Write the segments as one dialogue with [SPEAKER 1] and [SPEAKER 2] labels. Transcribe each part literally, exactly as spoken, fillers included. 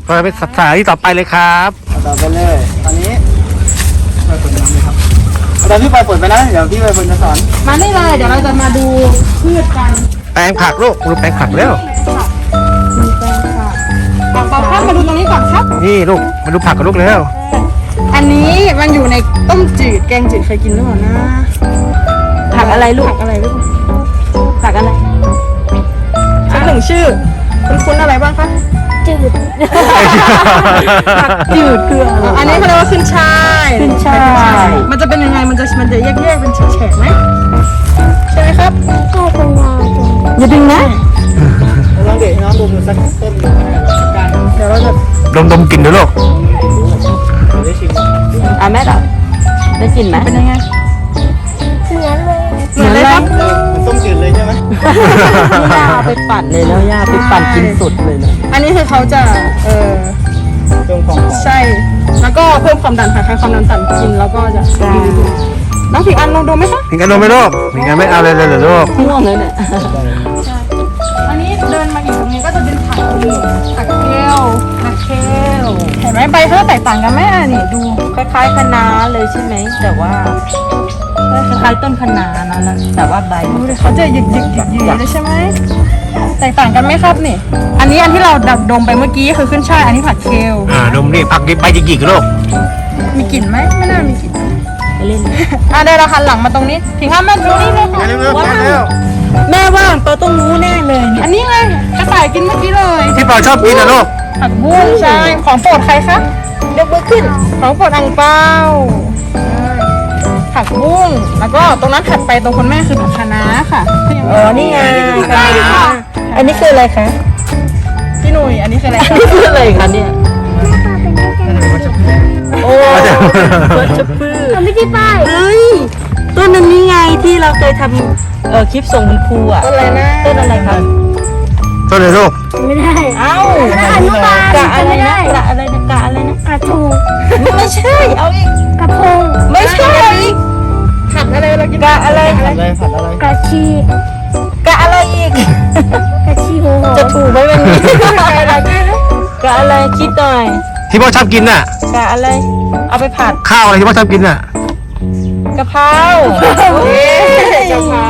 [SPEAKER 1] ก็ไปสถานที่ต่อไปเลยครับ
[SPEAKER 2] ต่อไปเลยตอนนี้ไปฝนน้ำเลยครับตอนพี่ไปฝนไปนะเดี๋ยวพี่ไปฝนจะสอน
[SPEAKER 3] มาได้เลยเดี๋ยวเราจะมาดูพืชกัน
[SPEAKER 1] แปลงผักลูกดูแปลงผักเร็ว
[SPEAKER 3] มีแปลงค่ะบอกบอกครับมาดูตรงนี้ก่อนครับ
[SPEAKER 1] นี่ลูกมาดูผักกับลูกเร็ว
[SPEAKER 3] อันนี้มันอยู่ในต้มจืดแกงจืดเคยกินหรือเปล่านะผักอะไรลูกผักอะไรลูกผักอะไรสักหนึ่งชื่อคุณคุ้นอะไรบ้างคะจืดผักจืดคืออะไรอันนี้เขาเรียกว่าขึ้นช่ายขึ้นช่ายมันจะเป็นยังไงมันจะมันจะแยกๆเป็นแฉกๆไหมใช่ไหมครับใช่เป็นยาวอย่าดึงนะ
[SPEAKER 2] ลองเด็กน้องดูสักต้นหนึ่งกัน
[SPEAKER 3] เดี๋ยวเราจะ
[SPEAKER 1] ดมดมกลิ่นดูลูก
[SPEAKER 2] ได้ชิม
[SPEAKER 3] อ่ะแม่ต่อได้กลิ่นไหมเป็นยังไงเหมือนเลยเหมือนเลยครับ
[SPEAKER 2] มันต้มจืดเลยใช่ไหม
[SPEAKER 3] ย่าไปปั่นเลยแล้วย่าไปปั่นกินสุดเลยนะอันนี้คือเขาจะเออ
[SPEAKER 2] เพิ่มความหอม
[SPEAKER 3] ใช่แล้วก็เพิ่มความดันค่ะใครความดันต่ำกินแล้วก็จะดีน้องผิงอันลองดูไหมคะ
[SPEAKER 1] ผิงอันดมไหมลูกผิงอันไม่เอาเลยเลยเหรอลูก
[SPEAKER 3] ง่วงเลยเนี่ยใช่อันนี้เดินมาอีกตรงนี้ก็จะเป็นผักผักเคลผักเคลเห็นไหมใบเขาแตกต่างกันไหมอ่ะนี่ดูคล้ายๆคะน้าเลยใช่ไหมแต่ว่าคล้ายๆต้นคะน้านะแต่ว่าใบเขาจะหยิกหยิกหยิกหยิกเลยใช่ไหมแตกต่างกันไหมครับนี่อันนี้อันที่เราดักดมไปเมื่อกี้คือขึ้นช่ายอันนี้ผักเคล
[SPEAKER 1] อ่าดมนี่ผักใบหยิกๆลูก
[SPEAKER 3] มีกลิ่นไหมไม่น่ามีกลิ่นไปเล่นอ่ะได้เราหันหลังมาตรงนี้ถึงห้ามแม่ตรงนี้เลยค่ะแม่ว่างตัวต้องรู้แน่เลยอันนี้เลยกระต่ายกินเมื่อกี้เลย
[SPEAKER 1] ที่ปอชอบกินนะลูก
[SPEAKER 3] ผักบุ้งใช่ของโปรดใครคะยกมือขึ้นของโปรดอังเปาผักบุ้งแล้วก็ตรงนั้นถัดไปตรงคุณแม่คือผักคะน้าค่ะอ๋อนี่ไงใช่ค่ะอันนี้คืออะไรคะพี่หนุ่ยอันนี้คืออะไรอันนี้คืออะไรคะเนี่ยโอ้วัชพืชทำไม่ได้ป้ายเฮ้ยต้นนั้นนี่ไงที่เราเคยทำเอ่อคลิปส่งคุณครูอ่ะต้นอะไรนะต้นอะไรคะ
[SPEAKER 1] ต้นอะไรลูก
[SPEAKER 3] ไม่ได้เอ้ากะอะไรนะกะอะไรนะกะอะไรนะกระทูไม่ใช่เอาอีกกระพงไม่ใช่อีกผัดอะไรเรากินกะอะไร
[SPEAKER 2] ผัดอะไรผัดอะไร
[SPEAKER 3] กะชีกะอะไรอีกกะชีหัวจะถูกไหมวันนี้กะอะไรคิดหน่อย
[SPEAKER 1] ที่พ่อชอบกินน่ะ
[SPEAKER 3] กะอะไรเอาไปผัด
[SPEAKER 1] ข้าวอะไรที่พ่อชอบกินน่ะ
[SPEAKER 3] กะเพรากะเพรา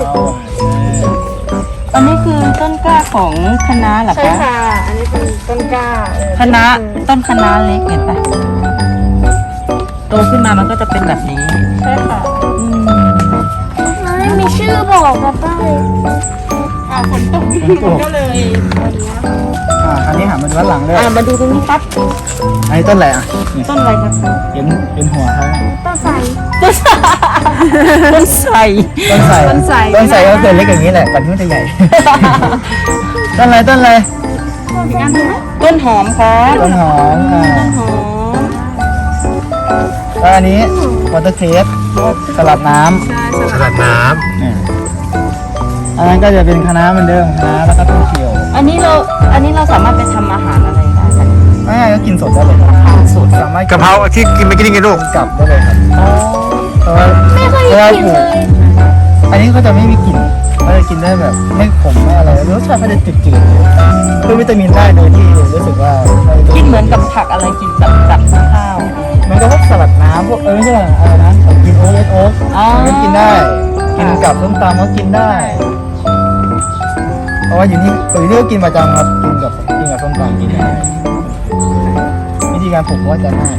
[SPEAKER 3] อันนี้คือต้นกล้าของคะน้าเหรอคะใช่ค่ะอันนี้เป็นต้นกล้าคะน้าต้นคะน้าเล็กเห็นปะโตขึ้นมามันก็จะเป็นแบบนี้ใช่ค่ะอืมไม่มีชื่อบอกกับป้ายอ่าฝนตกก็เลย
[SPEAKER 2] อ่าอันนี้หันมาดูด้านหลังเลย
[SPEAKER 3] อ่ามาดูตรงนี้ครับ
[SPEAKER 2] อันนี้ต้นอะไรอ่ะ
[SPEAKER 3] ต้นอะไรครับ
[SPEAKER 2] เห็นเห็นหัวเขา
[SPEAKER 3] ต้นไทรต้นไทรต้นไทร
[SPEAKER 2] ต้นไทรต้นไทรต้นไทรก็เคยเล็กอย่างนี้แหละแต่ที่มันจะใหญ่ต้นอะไรต้นอะไร
[SPEAKER 3] ต้นหอมครับ
[SPEAKER 2] ต้นหอมอ่า
[SPEAKER 3] ต้นหอม
[SPEAKER 2] แล้วอันนี้วอเตอร์เครสสลัดน้
[SPEAKER 1] ำสลัดน้
[SPEAKER 2] ำอันนั้นก็จะเป็นคะน้าเหมือนเดิมคะน้าแล้วก็ต้นเขียว
[SPEAKER 3] อันนี้เราอันนี้เราสามารถไปทำอาหารอะไรได้กัน
[SPEAKER 2] ไม่ก็กินสดได้เลยครับ
[SPEAKER 3] สด
[SPEAKER 2] สามารถ
[SPEAKER 1] กะเพราที่กินไม่กินไงลูก
[SPEAKER 2] กลับได้เลยครับเพราะว่า
[SPEAKER 3] ไม่เคยกินเลย
[SPEAKER 2] อันนี้ก็จะไม่มีกลิ่นก็จะกินได้แบบไม่ขมไม่อะไรรสชาติก็จะจืดๆเพิ่มวิตามินได้โดยที่รู้สึกว่า
[SPEAKER 3] กินเหมือนกับผักอะไรกินกับกับข้าว
[SPEAKER 2] มันก็พวกสลัดน้ำพวกเออใช่อะไรนะกินโอ๊ตโอ๊ตก็กินได้กินกับส้มตำก็กินได้เพราะว่าอยู่นี่อยู่นี่ก็กินประจำครับกินกับกินกับส้มตำกินได้วิธีการปลูกก็จะง่าย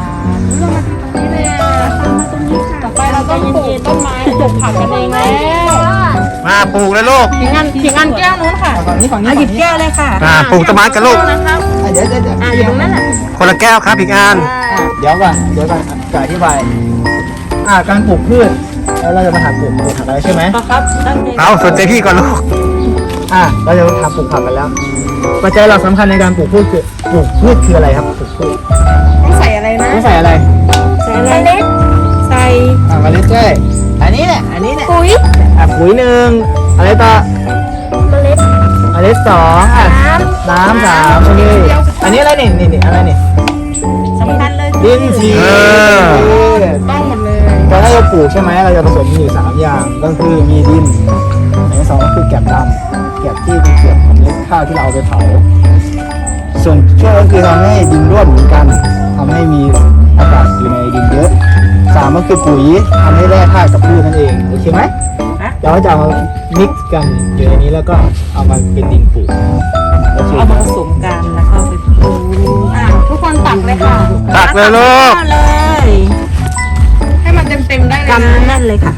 [SPEAKER 3] ต่อไปเราต้องปลูกต้นไม้ปลูกผักกันเองแล้ว
[SPEAKER 1] มาปลูกเลยลูก
[SPEAKER 3] ถิงอันถิงอันแก้วนู้นค่ะ
[SPEAKER 2] ฝั่งนี้ฝั่งนี้
[SPEAKER 3] หยิบแก้วเลยค่ะ
[SPEAKER 1] อ่าปลูกต้นไม้กันลูก
[SPEAKER 2] เดี๋ยวเดี๋ยวเดี๋ยว
[SPEAKER 3] อ่าอยู่ตรงนั้นแหละ
[SPEAKER 1] คนละแก้วครับผิงอัน
[SPEAKER 2] เดี๋ยวก่อนเดี๋ยวก่อนจะอธิบายอ่าการปลูกพืชแล้วเราจะมาหาปลูกปลูกผักอะไรใช่ไหม
[SPEAKER 3] ครับ
[SPEAKER 1] เอาสนใจพี่ก่อนลูก
[SPEAKER 2] อ่าเราจะมาปลูกผักกันแล้วปัจจัยเราสำคัญในการปลูกพืชคือปลูกพืชคืออะไรครับปลูกพืช
[SPEAKER 3] ต้องใส่อะไรนะ
[SPEAKER 2] ต้องใส่อะไร
[SPEAKER 3] ใส่อะไรเล็ดใส่
[SPEAKER 2] อ่าเมล็ดใช่อันนี้แหละอันนี้แหละ
[SPEAKER 3] ปุ๋ย
[SPEAKER 2] อ่ะปุ๋ยหนึ่งอะไรต่อ
[SPEAKER 3] เมล็ด
[SPEAKER 2] เมล็ดสองอ่ะน้ำสามโอเคอันนี้อะไรนี่นี่นี่อะไรนี่
[SPEAKER 3] สำคัญเลย
[SPEAKER 2] ดินสี
[SPEAKER 3] ต้องหมดเลย
[SPEAKER 2] ตอนแรกเราปลูกใช่ไหมเราจะผสมมีอยู่สามอย่างก็คือมีดินอันที่สองก็คือแกบดำแกบที่เป็นเกล็ดของเมล็ดข้าวที่เราเอาไปเผาส่วนช่วยก็คือทำให้ดินร่วนเหมือนกันทำให้มีอากาศอยู่ในดินเยอะสามก็คือปุ๋ยทำให้แร่ธาตุกับพืชนั่นเองโอเคไหมเดี๋ยวเราจะเอามามิกซ์กันอยู่ในนี้แล้วก็เอามาเป็นดินปลูกโอเค
[SPEAKER 4] เอามาผสมกันแล้วก็ไปปลูก
[SPEAKER 3] อ่ะทุกคนตักเลยค่ะ
[SPEAKER 1] ตักเลยลูก
[SPEAKER 4] เอาเลย
[SPEAKER 3] ให้มันเต็มๆได้เลย
[SPEAKER 4] กำ
[SPEAKER 3] นะ
[SPEAKER 4] แน่นเลยค่ะ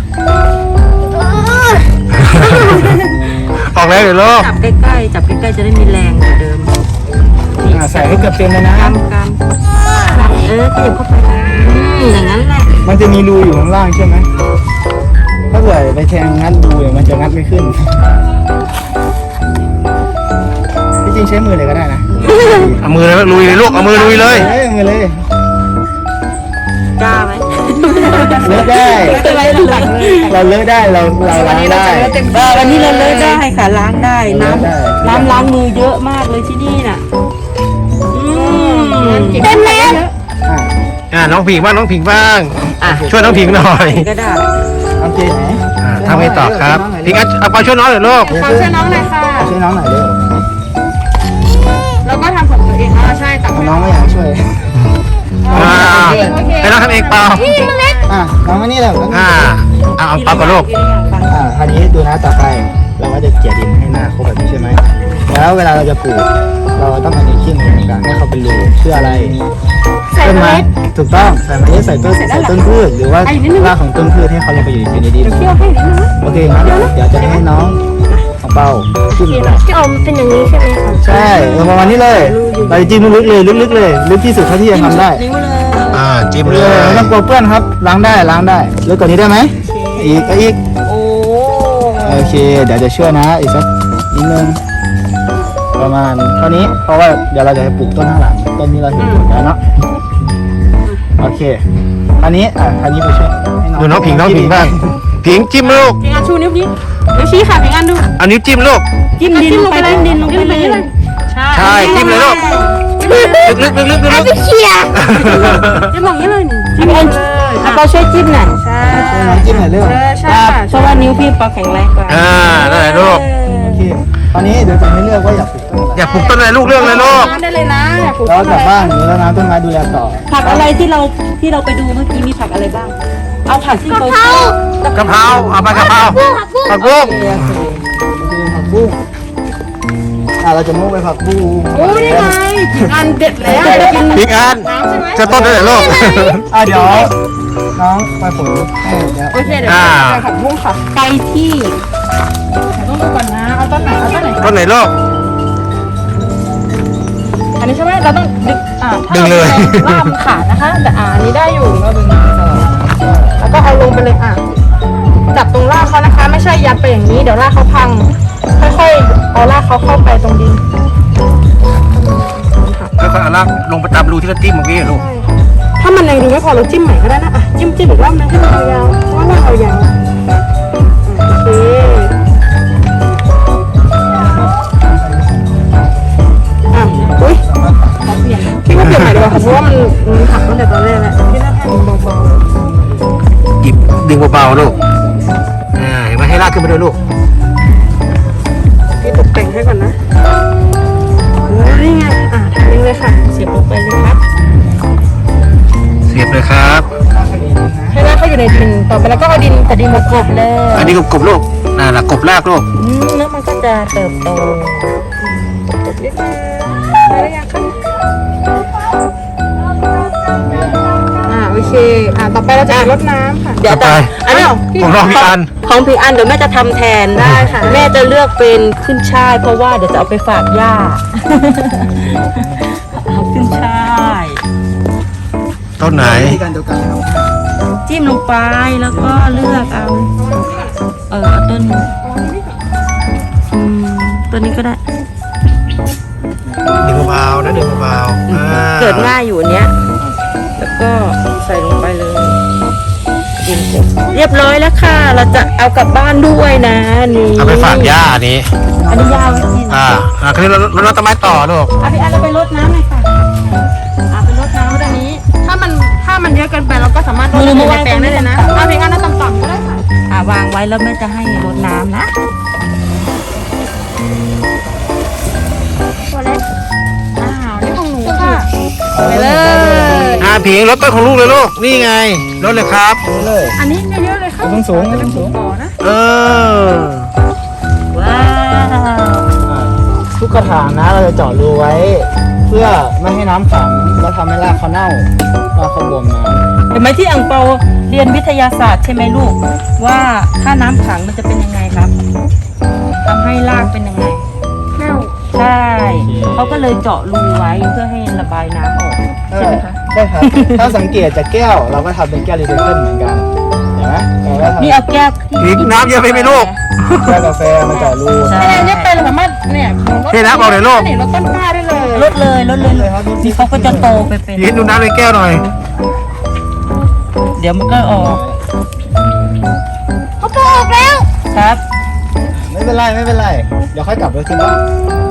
[SPEAKER 1] ออกแล้วเดี๋ยวลูก
[SPEAKER 4] จับใกล้ๆจับใกล้ๆจะได้มีแรงเหมือนเดิม
[SPEAKER 2] อ่าใส่ให้เกือบเต็มเลยนะ
[SPEAKER 4] กำกำเออขยับเข้าไปอืมอย่างนั้นแหละ
[SPEAKER 2] มันจะมีรูอยู่ข้างล่างใช่ไหมถ้าเกิดไปแทงงัดรูเนี่ยมันจะงัดไม่ขึ้นที่จริงใช้มือเลยก็ได้นะ
[SPEAKER 1] เอามือเลยลุยเลยลูกเอามือลุยเลย
[SPEAKER 2] เอ้ยมือเลย
[SPEAKER 4] กล้าไหม
[SPEAKER 2] เลิกได้
[SPEAKER 3] ไม่เป็นไรตักเลย
[SPEAKER 2] เราเลิกได้เราเรา
[SPEAKER 3] วัน
[SPEAKER 2] ล้าง
[SPEAKER 3] นี้เรา
[SPEAKER 2] ได้
[SPEAKER 3] จะเลือกเต็ม
[SPEAKER 4] เออวันนี้เราเลยได้ค่ะล้างได้น้
[SPEAKER 2] ได้
[SPEAKER 4] ำน้ำล้างมือเยอะมากเลยที่นี่น่ะอืม
[SPEAKER 3] เต็มแล้ว
[SPEAKER 2] อ่ะ
[SPEAKER 1] อ่าน้องผิงบ้างน้องผิงบ้าง
[SPEAKER 4] อ่ะ
[SPEAKER 1] ช่วยน้องผิงหน่อย
[SPEAKER 4] ก็ได้
[SPEAKER 2] โอเคไหม
[SPEAKER 1] อ่าทำไงต่อครับผิงอ่ะเอาไปช่วยน้องหน่อยลูก
[SPEAKER 3] ขอช่วยน้องหน่อยค่ะ
[SPEAKER 2] ช่วยน้องหน่อยเร็ว
[SPEAKER 3] แล้วก็ทำของตัวเองอ๋อใช่ตัก
[SPEAKER 2] น้องไม่อยากช่วย
[SPEAKER 1] อ่าให้น้องทำเองเปล่า
[SPEAKER 2] อ่ะน้องมานี่เลย
[SPEAKER 1] อ่าเอาเอาเปล่ากับลูก
[SPEAKER 2] อ่าคราวนี้ดูนะต่อไป เราก็จะเกี่ยดินให้หน้าครบแบบนี้ใช่ไหมแล้วเวลาเราจะปลูก เราต้องเอาดินขี้หมูกลางให้เขาเป็นรูเพื่ออะไร
[SPEAKER 3] ใส่
[SPEAKER 2] ต้น
[SPEAKER 3] เม
[SPEAKER 2] ไม้
[SPEAKER 3] ล็ด
[SPEAKER 2] ถูกต้องใส่เมล็ดใส่ต้นใส่ต้นพืชหรือว่า
[SPEAKER 3] ไอ้นิดนึง
[SPEAKER 2] รากของต้นพืชให้เขาลงไปอยู่อยู่ในดิน
[SPEAKER 3] เที่ยวให้นิดนึงนะ
[SPEAKER 2] โอเคงั้นเดี๋ยวจะให้น้องของเปาจิ้มก่อน
[SPEAKER 3] ที่อมเป็นอย่างนี้ใช่ไหมคะ
[SPEAKER 2] ใช่เอาประมาณนี้เลยเราจะจิ้มลึกๆเลยลึกๆเลยลึกที่สุดเท่าที่จะทำได้
[SPEAKER 4] นิ้วเลย
[SPEAKER 1] อ่าจิ้ม
[SPEAKER 2] เอ
[SPEAKER 1] เล
[SPEAKER 2] อย ไม่ต้องกลัวเปื้อนครับล้างได้ล้างได้ลึกกว่านี้ได้ไหมอีกก็อีก
[SPEAKER 4] โอ้
[SPEAKER 2] โอเค เดี๋ยวจะช่วยนะอีกสักนิดนึงประมาณเท่านี้เพราะว่าเดี๋ยวเราจะไปปลูกต้นข้างหลังต้นนี้เราเห็นปลูกแล้วเนาะโอเคอันนี้อ่ะอันนี้ไปช่วยให้
[SPEAKER 1] ดูน้องผิงน้องผิงบ้างผิงจิ้มลูก
[SPEAKER 3] เพลงอันชูนิ้วนี้นิ้วชี้ค่ะเพลงอันดู
[SPEAKER 1] เอานิ้วจิ้มลูก
[SPEAKER 4] จิ้มดินลงไปจิ้มดินลงไปเลย
[SPEAKER 3] ใช่
[SPEAKER 1] ใช่จิ้มเลยลูกลึกๆลึกๆลึกๆลึก
[SPEAKER 3] เชียร์จะบอกนี้เลยหนึ่ง
[SPEAKER 4] จิ้มเองเอาปอช่วยจิ้มหน่อย
[SPEAKER 3] ใช่
[SPEAKER 2] ช่วยน้องจิ้มหน่อยเร็ว
[SPEAKER 3] เออใช่ค่ะ
[SPEAKER 4] เพราะว่านิ้วพี่ปอแข็งแรงกว่า
[SPEAKER 1] ๆอ่านั่นแหละลูก
[SPEAKER 2] โอเคตอนนี้เดี๋ยวจะให้เลือกว่าอยากปลูกต้นอะไร
[SPEAKER 1] อย่าปลูกต้นอะไรลูกเรื่องเลยลูก
[SPEAKER 3] น้ำได้เลยนะอยากปลูก
[SPEAKER 2] แล้ว
[SPEAKER 3] ต้น
[SPEAKER 2] ก
[SPEAKER 3] อะ
[SPEAKER 2] ลับ
[SPEAKER 3] ไร
[SPEAKER 2] บ้านหรือแล้วน้ำต้นไม้ดูแลต่อ
[SPEAKER 4] ผักอะไรที่เราที่เราไปดูเมื่อกี้มีผักอะไรบ้าง เอาผักที่เขาชอบ
[SPEAKER 1] กะเพราเอาไปกะเพราผักบุ้ง
[SPEAKER 4] โอเคโอเค
[SPEAKER 2] มันจะเป็นผักบุ้งอ่ะเราจะมุ่งไปผักบุ้ง
[SPEAKER 3] โอ้ยนี่ไงกินอันเด็ดแล้วเดี๋ยวกิน
[SPEAKER 1] ผิงอัน
[SPEAKER 3] น้ำใช่ไหม
[SPEAKER 1] จะต้นได้ไหนลูก
[SPEAKER 2] อ่ะเดี๋ยวน้องไปผลให้เดี๋ยว
[SPEAKER 3] โอเคเดี๋ยว
[SPEAKER 1] อ่า
[SPEAKER 3] จะผักบุ้งค่ะ
[SPEAKER 4] ไปที่
[SPEAKER 3] ต้องดูก่อนนะเอาต้นไหนเอาต้นไหน
[SPEAKER 1] ต้นไหนลูก
[SPEAKER 3] อันนี้ใช่ไหมเราต้องดึงอ่าถ้า
[SPEAKER 1] ดึงเลย
[SPEAKER 3] ล่ามขาดนะคะ แต่อ่าอันนี้ได้อยู่เราดึงแล้วก็เอาลงไปเลยอ่ะจับตรงรากเขานะคะ ไม่ใช่ยัดไปอย่างนี้ เดี๋ยวรากเขาพัง ค่อยๆเอารากเขาเข้าไปตรงดิน
[SPEAKER 1] แล้วก็เอาลากลงไปตามรูที่เราจิ้มเมื่อกี้ลูก
[SPEAKER 3] ถ้ามันยังดูไม่พอเราจิ้มใหม่ก็ได้นะอ่ะจิ้มจิ้มอีกรอบนึงให้มันยาวๆเพราะว่าเรายาวโอเคอ่ะอุ้ยพี่ว่าเปลี่ยนใหม่ดีกว่าค่ะเพราะว่ามันมันหักตั้งแต่ตอนแรกแล้วพี่น่าให้มันเบา
[SPEAKER 1] หยิบดึงเบาๆลูกอ่าเห็นไหมให้ลากขึ้นไปด้วยลูก
[SPEAKER 3] ๆพี่ตกแต่งให้ก่อนนะโอ้ยนี่ไงอ่ะทำเองเลยค่ะ
[SPEAKER 4] เสียบลงไปเลยครับ
[SPEAKER 1] เสียบเลยครับ
[SPEAKER 3] ให้รากเขาอยู่ในดินต่อไปแล้วก็เอาดินแต่ดินกบๆเลย
[SPEAKER 1] อันนี้กบๆลูกน่าละกบลากลูก
[SPEAKER 4] อืมแล้วมันก็จะเติบโต
[SPEAKER 3] กบนิดนึงได้หรือยังคะอ่าโอเคอ่าต่อไปเราจะรดน้ำค่ะ
[SPEAKER 4] เดี๋ยว
[SPEAKER 1] ต่อไป
[SPEAKER 4] อันนี้
[SPEAKER 1] ของน้องพี่อัน
[SPEAKER 4] ของพี่อันเดี๋ยวแม่จะทำแทน
[SPEAKER 3] ได้ค่ะ
[SPEAKER 4] แม่จะเลือกเป็นขึ้นช่าย เพราะว่าเดี๋ยวจะเอาไปฝากย่า เอาขึ้นช่าย
[SPEAKER 1] ต้นไหน
[SPEAKER 2] วิธีการเดียวกันนะครับ
[SPEAKER 4] จิ้มลงไปแล้วก็เลือกเอา เออเอาต้นอืมต้นนี้ก็ได้
[SPEAKER 1] ดึงเบาๆนะดึงเบาๆอ่า
[SPEAKER 4] เกิดง่ายอยู่อันเนี้ย แล้วก็ใส่ลงไปเลยดินเสร็จเรียบร้อยแล้วค่ะ เราจะเอากลับบ้านด้วยนะนี่
[SPEAKER 1] เอาไปฝากย่าอันนี้
[SPEAKER 4] อันนี้ย่าไว้กิน
[SPEAKER 1] อ่าอ่าคราวนี้เราเราเราต้นไม้ต่อลูก
[SPEAKER 3] เอาพี่อันเราไปรดน้ำเลยค่ะเอาไปรดน้ำตรงนี้ ถ้ามันถ้ามันเยอะเกินไปเราก็สามารถรดในแปลงได้เลยนะเอาพี่อันนั้นต่ำๆก็ได้ค่ะ
[SPEAKER 4] อ่าวางไว้แล้วแม่จะให้รดน้ำนะ
[SPEAKER 3] ตัวเล็กอ้าวไปเลย
[SPEAKER 1] อ่าผิงรถต้นของลูกเลยลูกนี่ไงรถเลยครับ
[SPEAKER 2] ไปเลย
[SPEAKER 3] อันนี้เยอะๆเลยครับ
[SPEAKER 2] สูงสูง
[SPEAKER 3] จะเป็น
[SPEAKER 2] สูง
[SPEAKER 3] บ่อนะ
[SPEAKER 1] เออ
[SPEAKER 4] ว้าว
[SPEAKER 2] อ่าทุกกระถางนะเราจะเจาะรูไว้ เพื่อไม่ให้น้ำขังแล้วทำให้รากเขาเน่ารากเขาบวมน้ำ
[SPEAKER 4] เห็นไหมที่อังเปาเรียนวิทยาศาสตร์ใช่ไหมลูก ว่าถ้าน้ำขังมันจะเป็นยังไงครับทำให้รากเป็นยังไง
[SPEAKER 3] แก้ว
[SPEAKER 4] ใช่เขาก็เลยเจาะรูไว้เพื่อให้ระบายน้ำออกใช่ไหมคะ
[SPEAKER 2] ใช่ครับ ถ้าสังเกตจากแก้วเราก็ทำเป็นแก้วรีไซเคิลเหมือนกันเห็นไหมเราก็ทำ
[SPEAKER 4] นี่เอาแก้วที่
[SPEAKER 1] ผิงน้ำเยอะไปไหมลูก
[SPEAKER 2] แก้วกาแฟมาเจาะรู
[SPEAKER 4] ใช่
[SPEAKER 3] เนี่ยเนี่ยเป็นสามารถเนี่ยรถ
[SPEAKER 1] เทน้ำออกเลยลูก
[SPEAKER 3] นี่รถต้นกล้าได้เลย
[SPEAKER 4] ลดเลยลดเลย
[SPEAKER 2] เลยครับ
[SPEAKER 4] นี่เขาก็จะโตไปเป็น
[SPEAKER 1] ผิงดูน้ำในแก้วหน่อย
[SPEAKER 4] เดี๋ยวมันก็ออก
[SPEAKER 3] เขาปลูกแล้ว
[SPEAKER 4] ครับ
[SPEAKER 2] ไม่เป็นไรไม่เป็นไร เดี๋ยวค่อยกลับไปขึ้นบ้าน